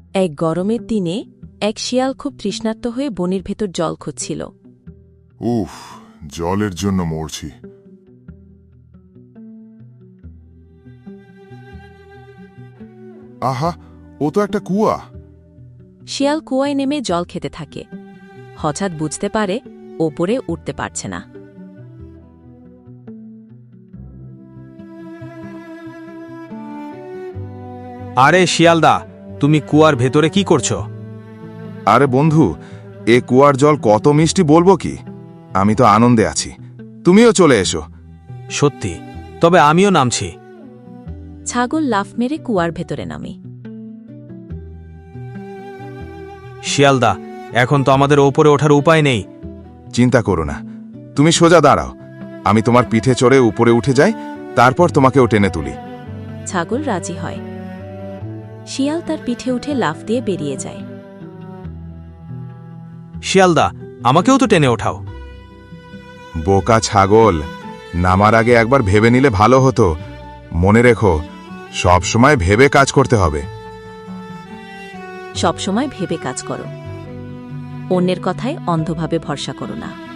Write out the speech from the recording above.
এক গরমের দিনে এক শিয়াল খুব তৃষ্ণার্ত হয়ে বনের ভেতর জল খুঁজছিল। উফ, জলের জন্য মরছি। আহা, ও তো একটা কুয়া। শিয়াল কুয়ায় নেমে জল খেতে থাকে। হঠাৎ বুঝতে পারে ওপরে উঠতে পারছে না। আরে শিয়ালদা, তুমি কুয়ার ভেতরে কি করছো? আরে বন্ধু, এ কুয়ার জল কত মিষ্টি বলবো কি। আমি তো আনন্দে আছি, তুমিও চলে এসো। সত্যি? তবে আমিও নামছি। ছাগল লাফ মেরে কুয়ার ভেতরে নামে। শিয়ালদা, এখন তো আমাদের ওপরে ওঠার উপায় নেই। চিন্তা করো না, তুমি সোজা দাঁড়াও, আমি তোমার পিঠে চড়ে উপরে উঠে যাই, তারপর তোমাকেও টেনে তুলি। ছাগল রাজি হয়। শিয়াল তার পিঠে উঠে লাফ দিয়ে বেরিয়ে যায়। শিয়ালদা, আমাকেও তো টেনে ওঠাও। বোকা ছাগল, নামার আগে একবার ভেবে নিলে ভালো হতো। মনে রেখো, সব সময় ভেবে কাজ করতে হবে। সবসময় ভেবে কাজ করো। অন্যের কথায় অন্ধভাবে ভরসা করো না।